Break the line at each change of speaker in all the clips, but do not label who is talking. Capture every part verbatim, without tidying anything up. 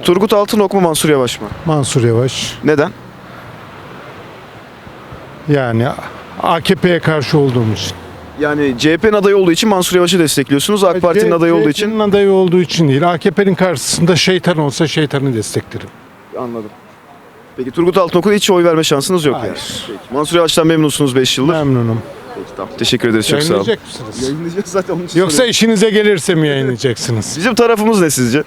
Turgut Altınok mu Mansur Yavaş mı?
Mansur Yavaş.
Neden?
Yani A K P'ye karşı olduğumuz için.
Yani C H P'nin adayı olduğu için Mansur Yavaş'ı destekliyorsunuz. AK Parti'nin adayı olduğu için.
C H P'nin adayı olduğu için değil. A K P'nin karşısında şeytan olsa şeytanı desteklerim.
Anladım. Peki Turgut Altınok'a hiç oy verme şansınız yok
Hayır.
yani. Peki. Mansur Yavaş'tan memnunsunuz beş yıldır.
Memnunum.
Peki, tamam. Teşekkür ederiz, çok sağ olun.
Yayınlayacak mısınız?
Yayınlayacağız zaten onun için
Yoksa
soruyorum.
işinize gelirse mi yayınlayacaksınız?
Bizim tarafımız ne sizce?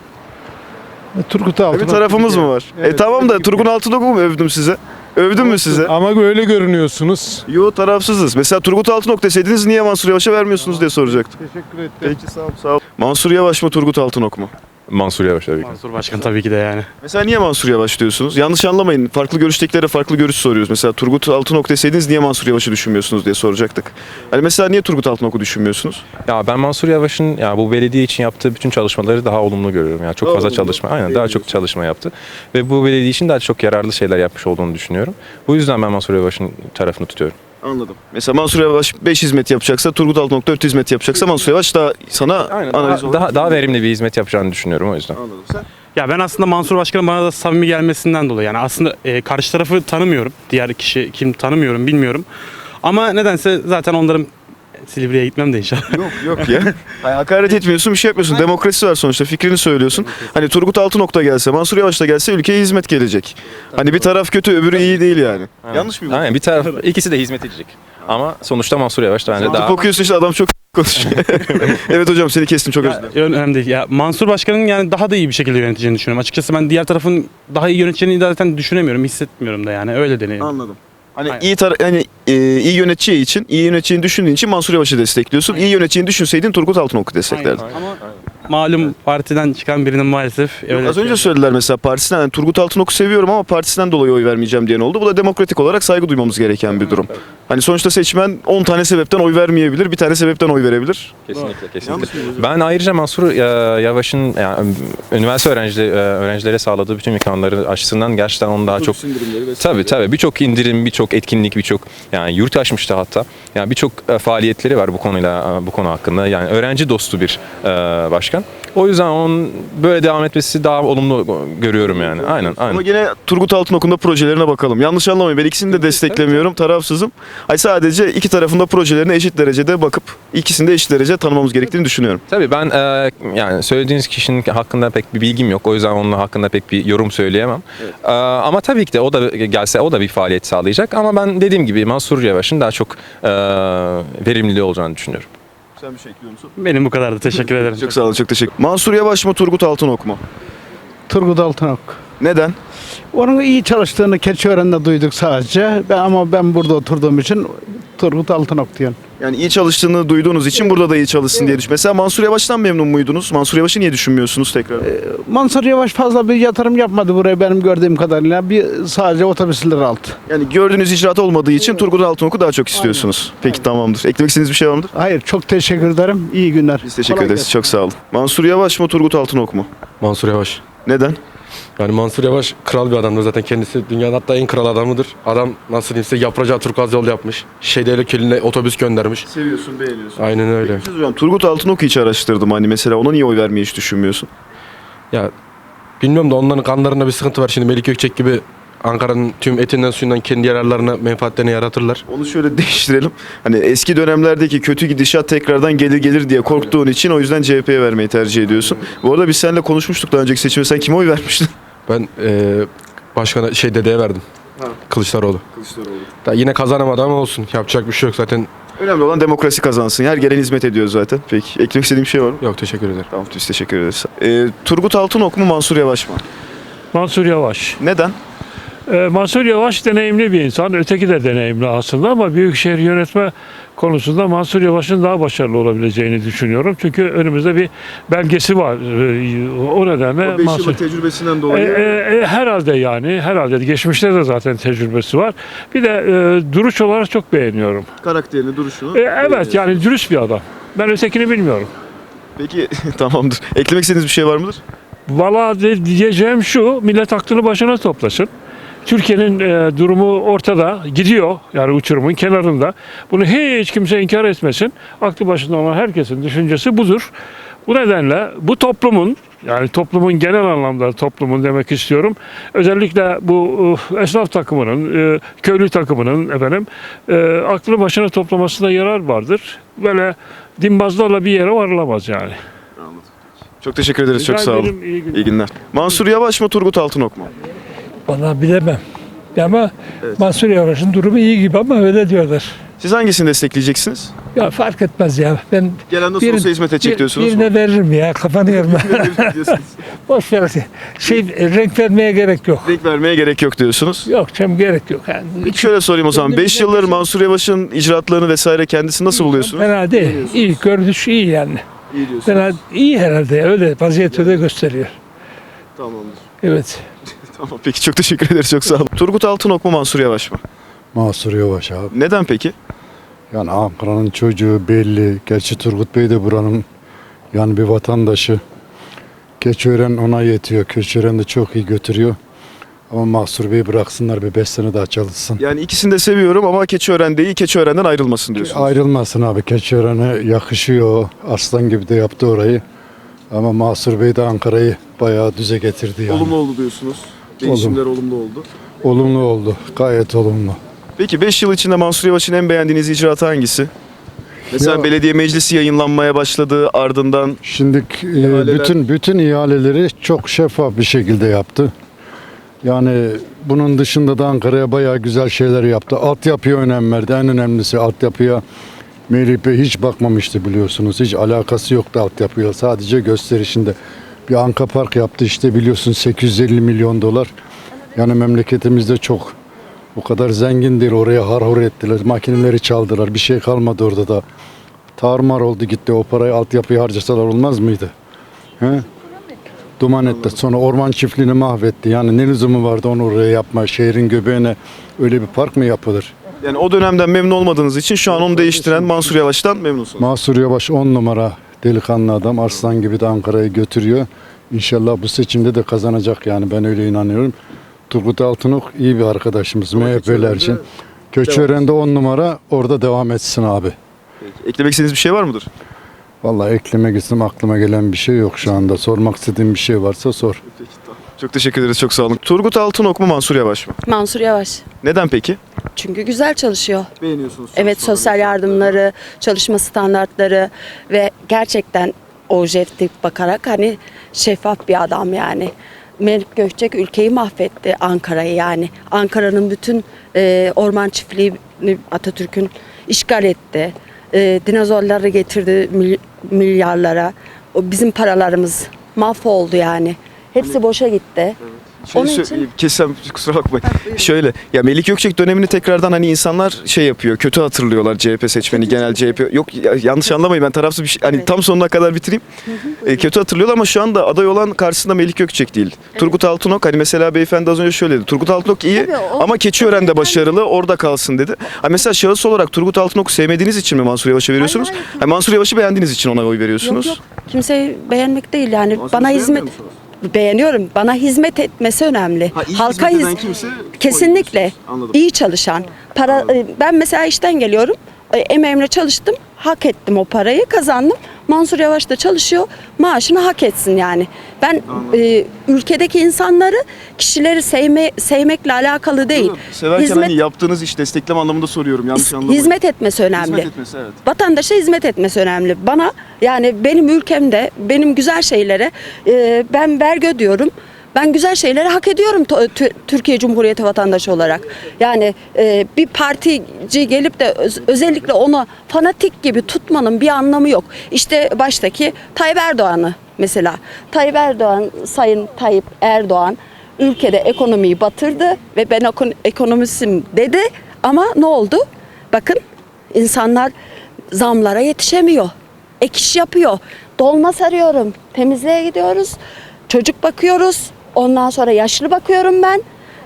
Turgut Altınok.
Bir tarafımız mı var?
Evet,
e tamam da
evet.
Turgut Altınok'u mu övdüm size? Övdüm mü size?
Ama öyle görünüyorsunuz.
Yo, tarafsızız. Mesela Turgut Altınok deseydiniz niye Mansur Yavaş'a vermiyorsunuz diye soracaktım.
Teşekkür ederim.
Peki, sağ ol, sağ ol. Mansur Yavaş mı Turgut Altınok mu?
Mansur Yavaş tabii ki.
Mansur Başkan tabii ki de yani.
Mesela niye Mansur Yavaş diyorsunuz? Yanlış anlamayın. Farklı görüştekilere farklı görüş soruyoruz. Mesela Turgut Altınok deseydiniz niye Mansur Yavaş'ı düşünmüyorsunuz diye soracaktık. Hani mesela niye Turgut Altınok'u düşünmüyorsunuz?
Ya ben Mansur Yavaş'ın ya bu belediye için yaptığı bütün çalışmaları daha olumlu görüyorum. Ya çok
Daha
fazla
olumlu.
çalışma, aynen daha
Beğeniyorsun.
çok çalışma yaptı ve bu belediye için daha çok yararlı şeyler yapmış olduğunu düşünüyorum. Bu yüzden ben Mansur Yavaş'ın tarafını tutuyorum.
Anladım. Mesela Mansur Yavaş beş hizmet yapacaksa, Turgut Altınok dört hizmet yapacaksa Mansur Yavaş daha sana
Aynen.
analiz
Daha,
olarak-
daha, daha verimli bir hizmet yapacağını düşünüyorum o yüzden.
Anladım. Sen?
Ya ben aslında Mansur Başkan'ın bana da samimi gelmesinden dolayı yani aslında e, karşı tarafı tanımıyorum. Diğer kişi kim tanımıyorum bilmiyorum. Ama nedense zaten onların Silivri'ye gitmem de inşallah.
Yok yok ya. Hayır, hakaret etmiyorsun, bir şey yapmıyorsun. Demokrasi var sonuçta, fikrini söylüyorsun. Hani Turgut Altınok da gelse, Mansur Yavaş da gelse ülkeye hizmet gelecek. Hani bir taraf kötü, öbürü iyi değil yani.
Aynen.
Yanlış mı bu?
Aynen bir taraf ikisi de hizmet edecek. Ama sonuçta Mansur Yavaş da bence
Tıp
daha
okuyorsun işte, adam çok konuşuyor. Evet hocam, seni kestim, çok özür dilerim.
Önemli değil. Ya Mansur Başkan'ın yani daha da iyi bir şekilde yöneteceğini düşünüyorum. Açıkçası ben diğer tarafın daha iyi yöneteceğini zaten düşünemiyorum, hissetmiyorum da yani öyle deneyim.
Anladım. Hani
Aynen.
iyi tar hani e, iyi yöneteceği için, iyi yöneteceğini düşündüğün için Mansur Yavaş'ı destekliyorsun. İyi yöneteceğini düşünseydin Turgut Altınok'u desteklerdin.
Aynen. Ama malum partiden çıkan birinin maalesef
Yok,
öyle
az önce
şey-
söylediler mesela partisinden, yani Turgut Altınok'u seviyorum ama partisinden dolayı oy vermeyeceğim diyen oldu. Bu da demokratik olarak saygı duymamız gereken bir durum. Hani sonuçta seçmen on tane sebepten oy vermeyebilir, bir tane sebepten oy verebilir.
kesinlikle kesinlikle.
Yanlış mı hocam?
Ben ayrıca Mansur e, Yavaş'ın yani, üniversite öğrencileri, e, öğrencilere sağladığı bütün imkanları açısından gerçekten onu daha çok tabii tabii birçok indirim, birçok etkinlik, birçok yani yurt açmıştı hatta. Yani birçok e, faaliyetleri var bu konuyla e, bu konu hakkında. Yani öğrenci dostu bir e, başkan. O yüzden onun böyle devam etmesi daha olumlu görüyorum yani. Aynen, aynen.
Ama yine Turgut Altınok'un da projelerine bakalım. Yanlış anlamayın, ben ikisini de desteklemiyorum, tarafsızım. Ay sadece iki tarafın da projelerine eşit derecede bakıp ikisini de eşit derece tanımamız gerektiğini düşünüyorum.
Tabii ben e, yani söylediğiniz kişinin hakkında pek bir bilgim yok. O yüzden onun hakkında pek bir yorum söyleyemem. E, ama tabii ki de o da gelse o da bir faaliyet sağlayacak. Ama ben dediğim gibi Mansur Yavaş'ın daha çok e, verimli olacağını düşünüyorum.
Sen bir şey ekliyor musun?
Benim bu kadardı. Teşekkür ederim.
Çok sağ olun, çok teşekkür. Mansur Yavaş mı Turgut Altınok mu?
Turgut Altınok.
Neden?
Onun iyi çalıştığını Keçiören'de duyduk sadece. Ben, ama ben burada oturduğum için Turgut Altınok diyorum.
Yani iyi çalıştığını duyduğunuz için burada da iyi çalışsın diye düşün. Mesela Mansur Yavaş'tan memnun muydunuz? Mansur Yavaş'ı niye düşünmüyorsunuz tekrar?
Mansur Yavaş fazla bir yatırım yapmadı buraya benim gördüğüm kadarıyla. Bir sadece otobüsler aldı.
Yani gördüğünüz icraat olmadığı için Turgut Altınok'u daha çok istiyorsunuz. Peki, tamamdır. Eklemek istediğiniz bir şey var mıdır?
Hayır, çok teşekkür ederim. İyi günler.
Biz teşekkür
Kolay
ederiz.
gelsin.
Çok sağ olun. Mansur Yavaş mı Turgut Altınok mu?
Mansur Yavaş.
Neden?
Yani Mansur Yavaş kral bir adamdır zaten, kendisi dünyanın hatta en kral adamıdır. Adam nasıl diyeyim size yapracağı turkuaz yol yapmış. Şeydeyle Kelin'e otobüs göndermiş.
Seviyorsun, beğeniyorsun.
Aynen öyle.
Peki, hocam, Turgut Altınok'u hiç araştırdım. Hani mesela ona niye oy vermeyi hiç düşünmüyorsun?
Ya bilmiyorum da onların kanlarında bir sıkıntı var. Şimdi Melik Gökçek gibi Ankara'nın tüm etinden suyundan kendi yararlarına, menfaatlerini yaratırlar.
Onu şöyle değiştirelim. Hani eski dönemlerdeki kötü gidişat tekrardan gelir gelir diye korktuğun için o yüzden C H P'ye vermeyi tercih ediyorsun. Bu arada biz seninle konuşmuştuk daha önceki seçimde. Sen kime oy vermiştin?
Ben eee başkana şey dedeye verdim.
Ha.
Kılıçdaroğlu.
Kılıçdaroğlu.
Da yine kazanamadı ama olsun. Yapacak bir şey yok zaten.
Önemli olan demokrasi kazansın. Her gelen hizmet ediyor zaten. Peki, eklemek istediğim bir şey var mı?
Yok, teşekkür ederim.
Tamam, biz teşekkür ederiz. Ee, Turgut Altınok mu Mansur Yavaş mı?
Mansur Yavaş.
Neden?
Ee, Mansur Yavaş deneyimli bir insan. Öteki de deneyimli aslında ama büyükşehir yönetme konusunda Mansur Yavaş'ın daha başarılı olabileceğini düşünüyorum. Çünkü önümüzde bir belgesi var. Ee, o nedenle Mansur...
tecrübesinden
E, e, e, herhalde yani. Herhalde. Geçmişte de zaten tecrübesi var. Bir de e, duruş olarak çok beğeniyorum.
karakterini, duruşunu.
E, evet yani dürüst bir adam. Ben ötekini bilmiyorum.
Peki, tamamdır. Eklemek istediğiniz bir şey var mıdır?
Valla de- diyeceğim şu, millet aklını başına toplasın. Türkiye'nin e, durumu ortada, gidiyor yani uçurumun kenarında. Bunu hiç kimse inkar etmesin. Aklı başında olan herkesin düşüncesi budur. Bu nedenle bu toplumun Yani toplumun genel anlamda toplumun demek istiyorum. Özellikle bu e, esnaf takımının, e, köylü takımının efendim e, aklı başına toplamasında yarar vardır. Böyle dimbazlarla bir yere varılamaz yani.
Çok teşekkür ederiz. Çok
Rica
sağ olun.
ederim, iyi günler.
İyi günler. Mansur Yavaş mı Turgut Altınok mu?
Vallahi bilemem. Ama Mansur Yavaş'ın durumu iyi gibi ama öyle diyorlar.
Siz hangisini destekleyeceksiniz?
Ya fark etmez ya. Ben
Gelen nasıl
bir-
olsa hizmet edecek
bir-
diyorsunuz.
birine veririm ya. Kafanı yorma.
diyorsunuz.
Boş ver. Şey, renk vermeye gerek yok.
Renk vermeye gerek yok diyorsunuz.
Yok canım gerek yok. Yani.
Peki şöyle sorayım o zaman.
Kendi
beş yıldır Mansur Yavaş'ın icraatlarını vesaire kendisi nasıl buluyorsunuz?
Fena değil. İyi. Görünüş iyi yani.
İyi diyorsunuz.
Fena iyi herhalde. Öyle vaziyeti öyle gösteriyor.
Tamamdır.
Evet.
Tamam peki çok teşekkür ederiz. Çok sağ olun. Turgut Altınok mu Mansur Yavaş mı?
Mansur Yavaş abi.
Neden peki?
Yani Ankara'nın çocuğu belli. Gerçi Turgut Bey de buranın yani bir vatandaşı. Keçiören ona yetiyor. Keçiören de çok iyi götürüyor. Ama Mansur Bey'i bıraksınlar bir beş sene daha çalışsın.
Yani ikisini de seviyorum ama Keçiören değil, Keçiören'den ayrılmasın diyorsunuz.
Ayrılmasın abi. Keçiören'e yakışıyor. Aslan gibi de yaptı orayı. Ama Mansur Bey de Ankara'yı bayağı düze getirdi yani.
Olumlu oldu diyorsunuz. Değişimler olumlu oldu.
Olumlu oldu. Gayet olumlu.
Peki beş yıl içinde Mansur Yavaş'ın en beğendiğiniz icraatı hangisi? Mesela
Ya-
belediye meclisi yayınlanmaya başladı ardından
Şimdi e,
İhaleler-
bütün bütün ihaleleri çok şeffaf bir şekilde yaptı. Yani bunun dışında da Ankara'ya bayağı güzel şeyler yaptı. Altyapıya önem verdi. En önemlisi altyapıya Melih Bey hiç bakmamıştı biliyorsunuz. Hiç alakası yoktu altyapıya. Sadece gösterişinde. Bir Anka Park yaptı işte biliyorsun sekiz yüz elli milyon dolar. Yani memleketimizde çok o kadar zengin değil. Oraya harhur ettiler. Makineleri çaldılar. Bir şey kalmadı orada da. Tarumar oldu gitti. O parayı altyapıya harcasalar olmaz mıydı? He? Duman etti. Sonra orman çiftliğini mahvetti. Yani ne lüzumu vardı onu oraya yapma. Şehrin göbeğine öyle bir park mı yapılır?
yani o dönemden memnun olmadığınız için şu an onu değiştiren Mansur Yavaş'tan memnunsunuz.
Mansur Yavaş on numara delikanlı adam. Arslan gibi de Ankara'yı götürüyor. İnşallah bu seçimde de kazanacak yani ben öyle inanıyorum. Turgut Altınok iyi bir arkadaşımız M H P'ler için. Köçören'de on numara orada devam etsin abi.
Eklemek istediğiniz bir şey var mıdır?
Vallahi eklemek istedim aklıma gelen bir şey yok şu anda. Sormak istediğim bir şey varsa sor.
Çok teşekkür ederiz. Çok sağ olun. Turgut Altınok mu Mansur Yavaş mı?
Mansur Yavaş.
Neden peki?
Çünkü güzel çalışıyor.
Beğeniyorsunuz.
Evet, sosyal yardımları, çalışma standartları ve gerçekten objektif bakarak hani şeffaf bir adam yani. Melih Gökçek ülkeyi mahvetti, Ankara'yı yani. Ankara'nın bütün e, orman çiftliğini Atatürk'ün işgal etti. E, dinozorları getirdi mil- milyarlara. O bizim paralarımız mahvoldu yani. Hepsi boşa gitti.
Şey
Onun
sö-
için-
Kessem kusura bakmayın. Şöyle ya Melik Gökçek dönemini tekrardan hani insanlar şey yapıyor. Kötü hatırlıyorlar C H P seçmeni, genel C H P. Yok ya, yanlış anlamayın ben tarafsız bir şey hani
Evet.
tam sonuna kadar bitireyim. E, kötü hatırlıyorlar ama şu anda aday olan karşısında Melik Gökçek değil. Turgut Altınok hani mesela beyefendi az önce şöyle dedi. Turgut Altınok iyi
Tabii, o-
ama Keçiören'de başarılı orada kalsın dedi. Ha mesela şahıs olarak Turgut Altınok'u sevmediğiniz için mi Mansur Yavaş'a veriyorsunuz?
Hayır, hayır.
Ha, Mansur Yavaş'ı beğendiğiniz için ona oy veriyorsunuz.
Yok yok, kimseyi beğenmek değil yani. Bana hizmet beğeniyorum. Bana hizmet etmesi önemli. Halka hiz kesinlikle iyi çalışan. Para e, ben mesela işten geliyorum. e, Emeğimle çalıştım. Hak ettim o parayı, kazandım. Mansur Yavaş da çalışıyor. Maaşını hak etsin yani. Ben e, ülkedeki insanları, kişileri sevme, sevmekle alakalı değil.
Severken
Hizmet-
hani yaptığınız iş destekleme anlamında soruyorum. Yanlış
His-
anlamayın.
hizmet etmesi önemli.
Hizmet etmesi evet.
Vatandaşa hizmet etmesi önemli. Bana yani benim ülkemde benim güzel şeylere e, ben vergi ödüyorum. Ben güzel şeyleri hak ediyorum to- tü- Türkiye Cumhuriyeti vatandaşı olarak. Yani e, bir partici gelip de öz- özellikle onu fanatik gibi tutmanın bir anlamı yok. İşte baştaki Tayyip Erdoğan'ı mesela. Tayyip Erdoğan, Sayın Tayyip Erdoğan ülkede ekonomiyi batırdı ve ben ekon- ekonomistim dedi ama ne oldu? Bakın insanlar zamlara yetişemiyor. Ek iş yapıyor. Dolma sarıyorum. Temizliğe gidiyoruz. Çocuk bakıyoruz. Ondan sonra yaşlı bakıyorum ben.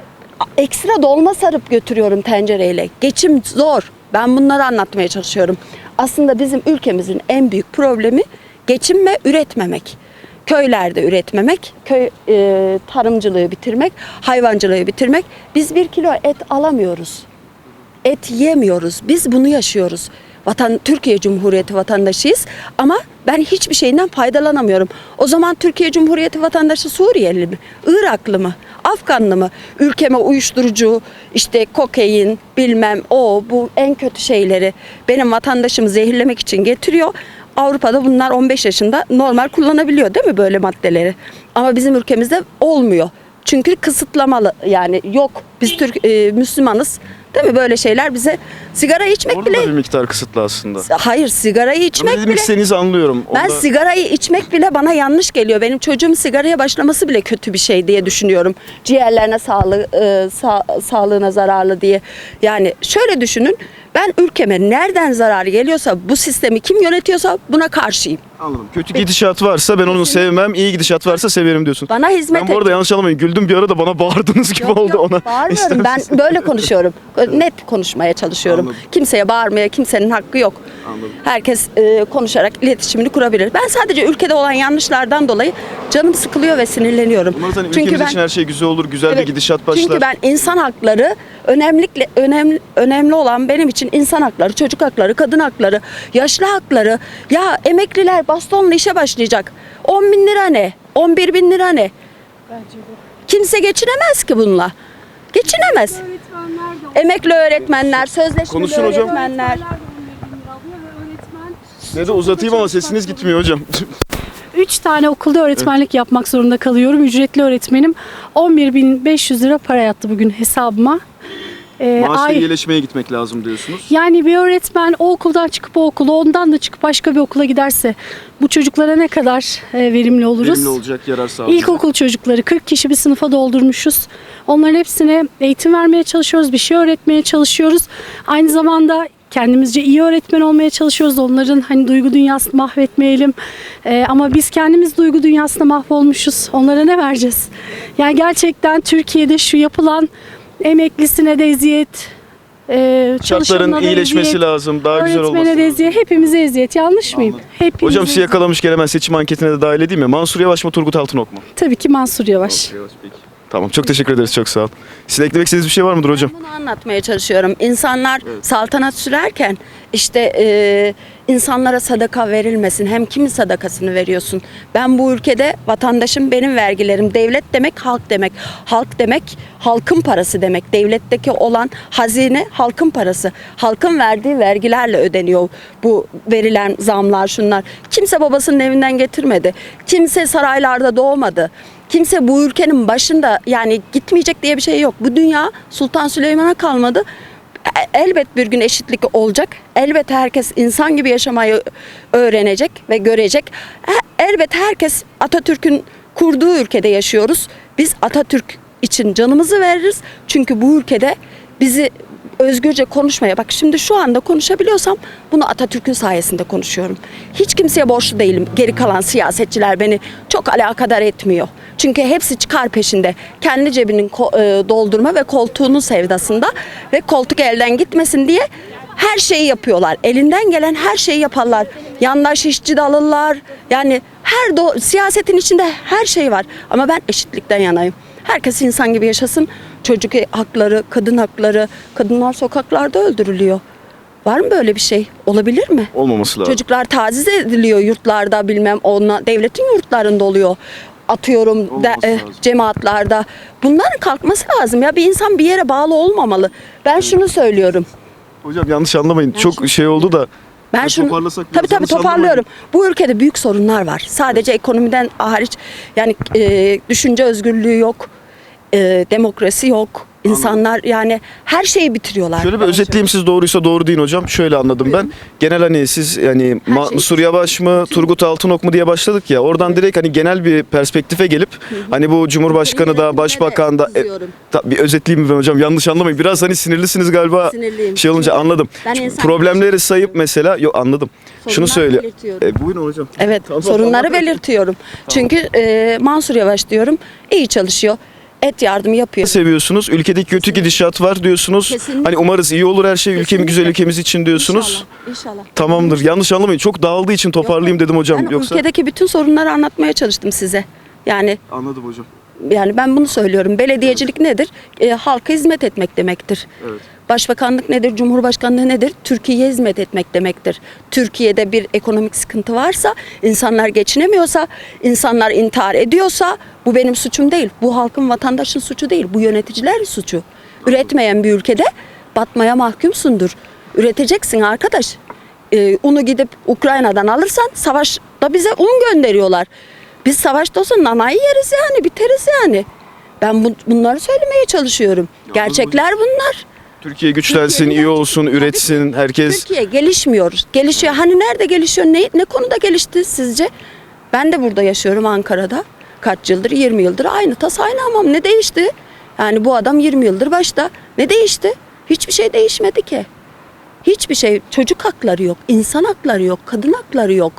Ekstra dolma sarıp götürüyorum tencereyle. Geçim zor. Ben bunları anlatmaya çalışıyorum. Aslında bizim ülkemizin en büyük problemi geçim ve üretmemek. Köylerde üretmemek, köy e, tarımcılığı bitirmek, hayvancılığı bitirmek. Biz bir kilo et alamıyoruz. Et yemiyoruz. Biz bunu yaşıyoruz. Vatan Türkiye Cumhuriyeti vatandaşıyız ama Ben hiçbir şeyinden faydalanamıyorum. O zaman Türkiye Cumhuriyeti vatandaşı Suriyeli mi? Iraklı mı? Afganlı mı? Ülkeme uyuşturucu, işte kokain, bilmem o bu en kötü şeyleri benim vatandaşımı zehirlemek için getiriyor. Avrupa'da bunlar on beş yaşında normal kullanabiliyor değil mi böyle maddeleri? Ama bizim ülkemizde olmuyor. Çünkü kısıtlamalı yani yok. Biz Türk e, Müslümanız. Değil mi böyle şeyler bize sigara içmek
Orada
bile
da bir miktar kısıtlı aslında.
hayır sigarayı
Ama
içmek
ne
bile
demek istediğinizi anlıyorum.
ben
Onda-
sigarayı içmek bile bana yanlış geliyor. Benim çocuğum sigaraya başlaması bile kötü bir şey diye düşünüyorum. Ciğerlerine sağlığı, e, sa- sağlığına zararlı diye. Yani şöyle düşünün. Ben ülkeme nereden zarar geliyorsa bu sistemi kim yönetiyorsa buna karşıyım.
Anladım. Kötü gidişat varsa ben onu sevmem, iyi gidişat varsa severim diyorsun.
Bana hizmet
Ben bu arada
ediyor.
yanlış anlamayın. Güldüm bir ara da bana bağırdığınız gibi
Yok,
oldu
yok,
ona.
bağırmıyorum. Ben
İster
böyle konuşuyorum. Net konuşmaya çalışıyorum.
Anladım.
Kimseye bağırmaya kimsenin hakkı yok.
Anladım.
Herkes e, konuşarak iletişimini kurabilir. Ben sadece ülkede olan yanlışlardan dolayı canım sıkılıyor ve sinirleniyorum.
Umarız hani
Çünkü
ülkemiz
ben
için her şey güzel olur, güzel
Evet,
bir gidişat başlar.
Çünkü ben insan hakları önemlikle önemli önemli olan benim için insan hakları, çocuk hakları, kadın hakları, yaşlı hakları. Ya emekliler bastonla işe başlayacak. on bin lira ne? on bir bin lira ne? Kimse geçinemez ki bununla. Geçinemez. Emekli öğretmenler, sözleşmeli
Konuşun hocam.
öğretmenler.
Ne de uzatayım ama sesiniz gitmiyor hocam.
Üç tane okulda öğretmenlik yapmak zorunda kalıyorum. Ücretli öğretmenim. on bir bin beş yüz lira para yattı bugün hesabıma. Ee,
Maaşla
ay-
iyileşmeye gitmek lazım diyorsunuz.
Yani bir öğretmen o okuldan çıkıp o okula, ondan da çıkıp başka bir okula giderse bu çocuklara ne kadar e, verimli oluruz?
Verimli olacak, yarar sağlayacak.
İlkokul çocukları kırk kişi bir sınıfa doldurmuşuz. Onların hepsine eğitim vermeye çalışıyoruz, bir şey öğretmeye çalışıyoruz. Aynı zamanda kendimizce iyi öğretmen olmaya çalışıyoruz. Onların hani duygu dünyasını mahvetmeyelim. Ee, ama biz kendimiz duygu dünyasında mahvolmuşuz. Onlara ne vereceğiz? Yani gerçekten Türkiye'de şu yapılan emeklisine de eziyet, e,
Şartların
çalışanına da
iyileşmesi
eziyet,
lazım, daha güzel olması
öğretmene de
lazım.
eziyet, hepimize eziyet. Yanlış mıyım? Hepimize
Hocam sizi
eziyet.
yakalamışken hemen seçim anketine de dahil edeyim mi? Mansur Yavaş mı, Turgut Altınok mu?
Tabii ki Mansur Yavaş.
Tamam, çok teşekkür ederiz, çok sağ ol. Sizin eklemek istediğiniz bir şey var mıdır hocam?
Bunu anlatmaya çalışıyorum. İnsanlar saltanat sürerken işte e, insanlara sadaka verilmesin. Hem kimin sadakasını veriyorsun? Ben bu ülkede vatandaşım, benim vergilerim. Devlet demek halk demek. Halk demek halkın parası demek. Devletteki olan hazine halkın parası. Halkın verdiği vergilerle ödeniyor bu verilen zamlar, şunlar. Kimse babasının evinden getirmedi. Kimse saraylarda doğmadı. Kimse bu ülkenin başında yani gitmeyecek diye bir şey yok. Bu dünya Sultan Süleyman'a kalmadı. E- Elbet bir gün eşitlik olacak. Elbet herkes insan gibi yaşamayı öğrenecek ve görecek. E- Elbet herkes Atatürk'ün kurduğu ülkede yaşıyoruz. Biz Atatürk için canımızı veririz. Çünkü bu ülkede bizi özgürce konuşmaya, bak şimdi şu anda konuşabiliyorsam bunu Atatürk'ün sayesinde konuşuyorum. Hiç kimseye borçlu değilim. Geri kalan siyasetçiler beni çok alakadar etmiyor. Çünkü hepsi çıkar peşinde. Kendi cebinin ko- e, doldurma ve koltuğunun sevdasında ve koltuk elden gitmesin diye her şeyi yapıyorlar. Elinden gelen her şeyi yaparlar. Yandaş işçi de alırlar. Yani her do- siyasetin içinde her şey var. Ama ben eşitlikten yanayım. Herkes insan gibi yaşasın. Çocuk hakları, kadın hakları, kadınlar sokaklarda öldürülüyor. Var mı böyle bir şey? Olabilir mi?
Olmaması lazım.
Çocuklar taciz ediliyor yurtlarda, bilmem ona devletin yurtlarında oluyor. Atıyorum de,
Olmaması
e,
lazım.
cemaatlarda. Bunların kalkması lazım ya. Bir insan bir yere bağlı olmamalı. Ben şunu söylüyorum.
Hocam yanlış anlamayın. Çok
şimdi-
şey oldu da.
Ben
Yani
şunu
toparlasak biraz,
tabii tabii
yanlış
toparlıyorum. Bu ülkede büyük sorunlar var. Sadece ekonomiden hariç yani e, düşünce özgürlüğü yok. E, demokrasi yok. İnsanlar yani her şeyi bitiriyorlar.
Şöyle bir özetleyeyim, siz doğruysa doğru deyin hocam. Şöyle anladım ben. Genel hani siz yani
Her
Mansur
şey-
Yavaş mı, Turgut Altınok mu diye başladık ya. Oradan direkt hani genel bir perspektife gelip hani bu Cumhurbaşkanı da, Başbakan da e,
Kızıyorum.
ta- bir özetleyeyim mi ben hocam? Yanlış anlamayın. Biraz hani sinirlisiniz galiba.
Sinirliyim.
Şey olunca
Çünkü
anladım.
ben insan-
Problemleri sayıp mesela yok anladım. Şunu
Sorunlar
söyle.
belirtiyorum.
E, buyurun hocam.
Evet,
Tamam,
sorunları
tamam.
belirtiyorum. Çünkü e, Mansur Yavaş diyorum, iyi çalışıyor. Et yardımı yapıyor.
Seviyorsunuz. Ülkedeki kötü gidişat var diyorsunuz.
Kesinlikle.
Hani umarız iyi olur her şey. Ülkemiz
Kesinlikle.
güzel, ülkemiz için diyorsunuz.
İnşallah. İnşallah.
Tamamdır. Yanlış anlamayın. Çok dağıldığı için toparlayayım dedim hocam.
Ben
Yoksa
ülkedeki bütün sorunları anlatmaya çalıştım size. Yani
anladım hocam.
yani ben bunu söylüyorum. Belediyecilik nedir? E, halka hizmet etmek demektir.
Evet.
Başbakanlık nedir, Cumhurbaşkanlığı nedir? Türkiye'ye hizmet etmek demektir. Türkiye'de bir ekonomik sıkıntı varsa, insanlar geçinemiyorsa, insanlar intihar ediyorsa bu benim suçum değil. Bu halkın, vatandaşın suçu değil. Bu yöneticilerin suçu. Üretmeyen bir ülkede batmaya mahkumsundur. Üreteceksin arkadaş. Ee, unu gidip Ukrayna'dan alırsan savaşta bize un gönderiyorlar. Biz savaşta olsa nanayı yeriz yani, biteriz yani. Ben bu, bunları söylemeye çalışıyorum. Gerçekler bunlar.
Türkiye güçlensin,
Türkiye'nin-
iyi olsun, üretsin, herkes...
Türkiye gelişmiyor. Gelişiyor. Hani nerede gelişiyor? Ne, ne konuda gelişti sizce? Ben de burada yaşıyorum, Ankara'da. Kaç yıldır? yirmi yıldır aynı tas aynı hamam. Ne değişti? Yani bu adam yirmi yıldır başta. Ne değişti? Hiçbir şey değişmedi ki. Hiçbir şey. Çocuk hakları yok, insan hakları yok, kadın hakları yok.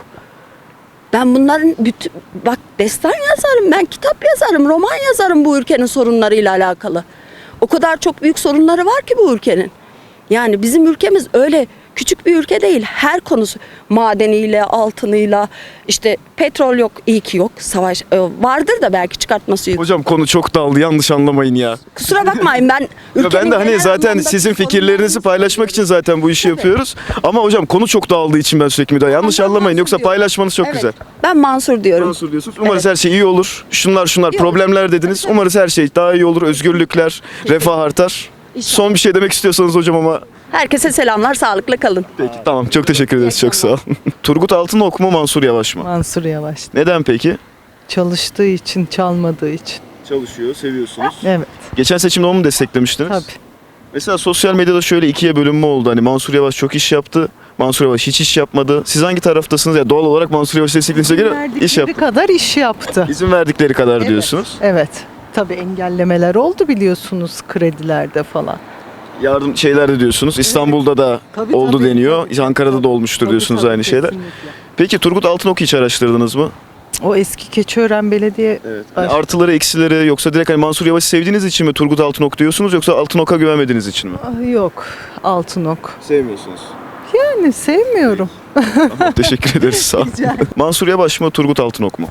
Ben bunların bütün, bak destan yazarım, ben kitap yazarım, roman yazarım bu ülkenin sorunlarıyla alakalı. O kadar çok büyük sorunları var ki bu ülkenin. Yani bizim ülkemiz öyle küçük bir ülke değil. Her konusu madeniyle, altınıyla, işte petrol yok, iyi ki yok. Savaş e, vardır da belki çıkartması yok.
Hocam konu çok daldı, yanlış anlamayın ya.
Kusura bakmayın ben
Ya
ülkenin
ben de hani
genel
zaten
anlamda
sizin
sorunlarını-
fikirlerinizi paylaşmak için zaten bu işi
Tabii.
yapıyoruz. Ama hocam konu çok dağıldığı için ben sürekli müdahale. Yanlış
Ben
anlamayın,
Mansur
yoksa
diyorum.
paylaşmanız çok
Evet,
güzel.
Ben Mansur diyorum.
Mansur diyorsunuz. Umarız
Evet.
her şey iyi olur. Şunlar şunlar
İyi
problemler
olur.
dediniz.
Evet.
Umarız her şey daha iyi olur. Özgürlükler, refah artar.
İnşallah.
Son bir şey demek istiyorsanız hocam ama
Herkese selamlar, sağlıklı kalın.
peki tamam, çok teşekkür ederiz, çok sağ olun. Turgut Altınok mu, Mansur Yavaş mı?
Mansur Yavaş.
Neden peki?
Çalıştığı için, çalmadığı için.
Çalışıyor, seviyorsunuz.
Evet,
Geçen seçimde onu mu desteklemiştiniz?
tabii.
Mesela sosyal medyada şöyle ikiye bölünme oldu. Hani Mansur Yavaş çok iş yaptı, Mansur Yavaş hiç iş yapmadı. Siz hangi taraftasınız? Ya doğal olarak Mansur Yavaş desteklediğinize göre iş
Verdikleri
yaptı.
kadar iş yaptı.
İzin verdikleri kadar
Evet.
diyorsunuz.
Evet. Tabii engellemeler oldu biliyorsunuz kredilerde falan.
Yardım şeyler de diyorsunuz. İstanbul'da da
Tabii,
oldu
tabii,
deniyor.
tabii,
Ankara'da
tabii.
da olmuştur
Tabii,
diyorsunuz
tabii,
aynı şeyler.
kesinlikle.
Peki Turgut Altınok'u hiç araştırdınız mı?
O eski Keçiören Belediye
Evet. Hani
baş-
artıları, eksileri, yoksa direkt hani Mansur Yavaş'ı sevdiğiniz için mi Turgut Altınok diyorsunuz, yoksa Altınok'a güvenmediğiniz için mi?
Ah, yok, Altınok.
Sevmiyorsunuz.
Yani sevmiyorum.
Tamam, teşekkür ederiz, sağ olun. Mansur Yavaş mı, Turgut Altınok mu?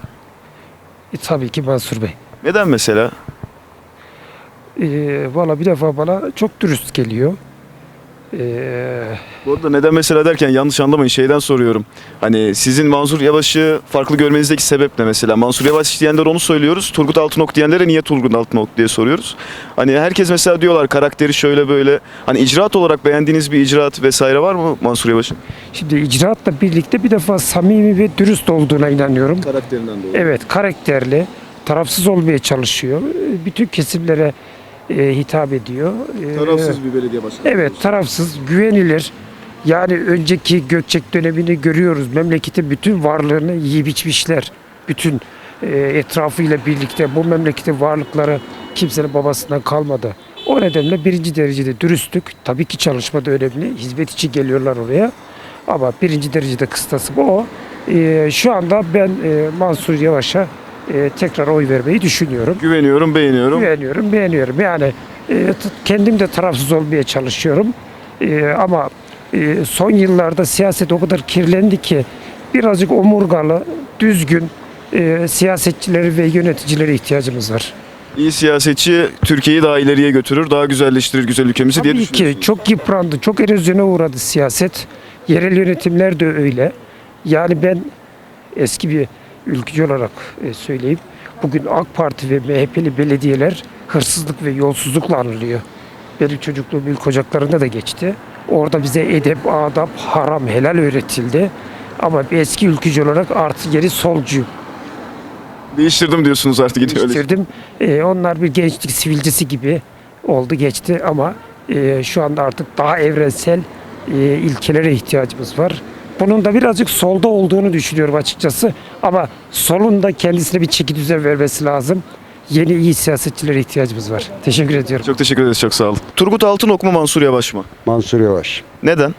E, tabii ki Mansur Bey.
Neden mesela?
E, Valla bir defa bana çok dürüst geliyor. E,
Bu arada neden mesela derken yanlış anlamayın, şeyden soruyorum. Hani sizin Mansur Yavaş'ı farklı görmenizdeki sebep ne mesela? Mansur Yavaş diyenler onu söylüyoruz. Turgut Altınok diyenlere niye Turgut Altınok diye soruyoruz. Hani herkes mesela diyorlar karakteri şöyle böyle. Hani icraat olarak beğendiğiniz bir icraat vesaire var mı Mansur Yavaş'ın?
Şimdi icraatla birlikte bir defa samimi ve dürüst olduğuna inanıyorum.
Karakterinden dolayı.
Evet, karakterli, tarafsız olmaya çalışıyor. E, Bütün kesimlere e, hitap ediyor. E,
bir belediye başkanı.
Evet, tarafsız, güvenilir. Yani önceki Gökçek dönemini görüyoruz. Memleketin bütün varlığını yiyip içmişler. Bütün e, etrafıyla birlikte bu memleketin varlıkları kimsenin babasından kalmadı. O nedenle birinci derecede dürüstlük. Tabii ki çalışma da önemli. Hizmet için geliyorlar oraya. Ama birinci derecede kıstası bu o. E, şu anda ben e, Mansur Yavaş'a e, tekrar oy vermeyi düşünüyorum.
Güveniyorum, beğeniyorum.
Güveniyorum, beğeniyorum. Yani e, t- kendim de tarafsız olmaya çalışıyorum. E, ama e, son yıllarda siyaset o kadar kirlendi ki birazcık omurgalı, düzgün e, siyasetçileri ve yöneticilere ihtiyacımız var.
İyi siyasetçi Türkiye'yi daha ileriye götürür, daha güzelleştirir güzel ülkemizi diye
Tabii ki
düşünüyorsunuz.
çok yıprandı, çok erozyona uğradı siyaset. Yerel yönetimler de öyle. Yani ben eski bir ülkücü olarak e, söyleyeyim. Bugün AK Parti ve M H P'li belediyeler hırsızlık ve yolsuzlukla anılıyor. Benim çocukluğum ilk ocaklarında da geçti. Orada bize edep, adap, haram, helal öğretildi. Ama bir eski ülkücü olarak artı geri solcu
Değiştirdim diyorsunuz artık, gidiyor öyle.
değiştirdim. E, onlar bir gençlik sivilcesi gibi oldu geçti ama e, şu anda artık daha evrensel e, ilkelere ihtiyacımız var. Bunun da birazcık solda olduğunu düşünüyorum açıkçası. Ama solun da kendisine bir çeki düzen vermesi lazım. Yeni iyi siyasetçilere ihtiyacımız var. Teşekkür ediyorum.
Çok teşekkür ederiz, çok sağ olun. Turgut Altınok mu, Mansur Yavaş mı?
Mansur Yavaş.
Neden?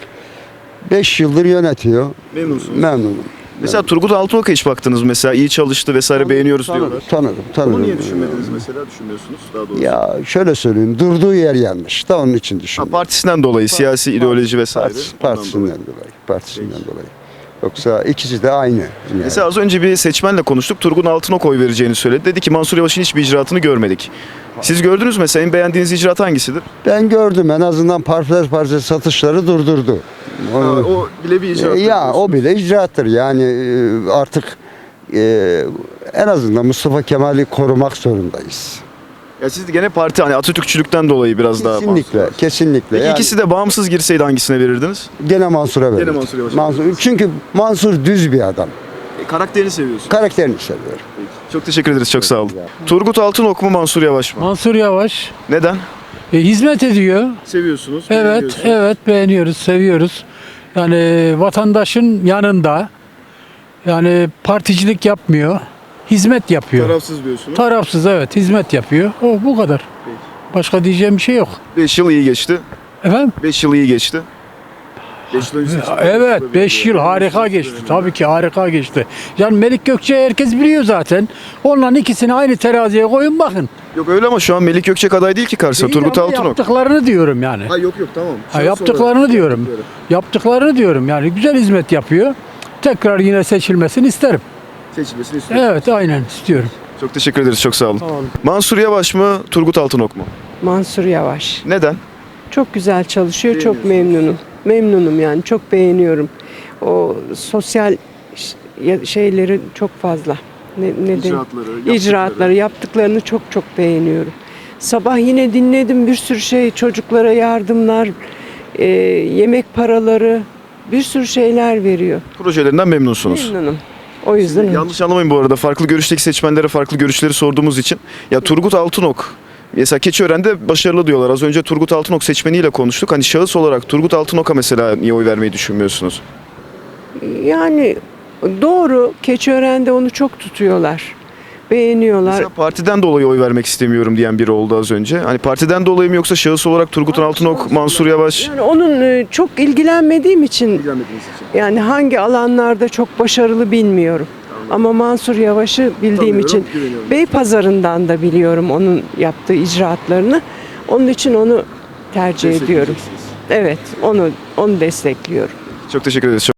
beş yıldır yönetiyor.
Memnunsunuz.
Memnunum.
Mesela Turgut Altınok'a hiç baktınız mesela, iyi çalıştı vesaire, beğeniyoruz diyorlar.
Tanırım, tanırım.
Onu niye düşünmediniz mesela, düşünmüyorsunuz daha doğrusu?
Ya şöyle söyleyeyim, durduğu yer yanlış. Da onun için
Ha,
düşünüyorum.
partisinden dolayı, siyasi ideoloji vesaire.
Partisi-
Ondan
partisinden
dolayı.
dolayı. Partisinden dolayı.
Yoksa ikisi de aynı. Yani.
Mesela az önce bir seçmenle konuştuk. Turgut Altınok oy vereceğini söyledi. Dedi ki Mansur Yavaş'ın hiçbir icraatını görmedik. Siz gördünüz mü? Mesela en beğendiğiniz icraat hangisidir?
Ben gördüm, en azından parçalar parça satışları durdurdu.
Ha, o bile bir icraat.
E, ya o bile icraattır. Yani e, artık e, en azından Mustafa Kemal'i korumak zorundayız.
Ya siz de gene parti hani Atatürkçülükten dolayı biraz daha
Kesinlikle,
Mansur.
kesinlikle.
Peki
Yani
ikisi de bağımsız girseydi hangisine verirdiniz?
gene Mansur'a verirdim.
Mansur Yavaş'a
Mansur, çünkü Mansur düz bir adam.
E, karakterini seviyorsun.
Karakterini seviyorum.
Çok teşekkür ederiz. Çok sağ olun. Turgut Altınok mu Mansur Yavaş mı?
Mansur Yavaş
Neden?
e, hizmet ediyor.
Seviyorsunuz.
Evet,
beğeniyorsunuz.
evet beğeniyoruz, seviyoruz. Yani vatandaşın yanında. Yani particilik yapmıyor. Hizmet yapıyor.
Tarafsız diyorsunuz.
Tarafsız evet, hizmet yapıyor. O bu kadar. Başka diyeceğim bir şey yok.
beş yıl iyi geçti.
Efendim?
beş yıl iyi geçti. beş yıl önce seçimler
Evet,
yapıldı.
beş yıl harika geçti. Tabii ki harika geçti. Yani Melik Gökçe herkes biliyor zaten. Onların ikisini aynı teraziye koyun bakın.
Yok öyle ama şu an Melik Gökçek aday değil ki karşısında.
Değil
Turgut
ama
Altınok.
Yaptıklarını diyorum yani.
Ha yok yok tamam.
Ha, yaptıklarını diyorum. Yaptıklarını diyorum yani güzel hizmet yapıyor. Tekrar yine seçilmesini isterim.
Seçilmesini istiyorum.
Evet aynen istiyorum.
Çok teşekkür ederiz. Çok sağ olun. Mansur Yavaş mı Turgut Altınok mu?
Mansur Yavaş.
Neden?
Çok güzel çalışıyor, çok memnunum. Memnunum yani, çok beğeniyorum. O sosyal ş- ya- şeyleri çok fazla. Ne, neden?
İcraatları, yaptıkları.
İcraatları, yaptıklarını çok çok beğeniyorum. Sabah yine dinledim bir sürü şey, çocuklara yardımlar, e, yemek paraları, bir sürü şeyler veriyor.
Projelerinden memnunsunuz.
Memnunum. O yüzden
Yanlış anlamayın bu arada. Farklı görüşteki seçmenlere farklı görüşleri sorduğumuz için. Ya Turgut Altınok mesela Keçiören'de başarılı diyorlar. Az önce Turgut Altınok seçmeniyle konuştuk. Hani şahıs olarak Turgut Altınok'a mesela niye oy vermeyi düşünmüyorsunuz?
yani doğru, Keçiören'de onu çok tutuyorlar. Beğeniyorlar.
Mesela partiden dolayı oy vermek istemiyorum diyen biri oldu az önce. Hani partiden dolayı mı yoksa şahıs olarak Turgut Altınok, Mansur Yavaş?
Yani onun e, çok ilgilenmediğim için yani hangi alanlarda çok başarılı bilmiyorum. Ama Mansur Yavaş'ı bildiğim
Tanıyorum,
için
güveniyorum.
Beypazarı'ndan da biliyorum onun yaptığı icraatlarını. Onun için onu tercih ediyorum. Evet, onu onu destekliyorum.
Çok teşekkür ederiz.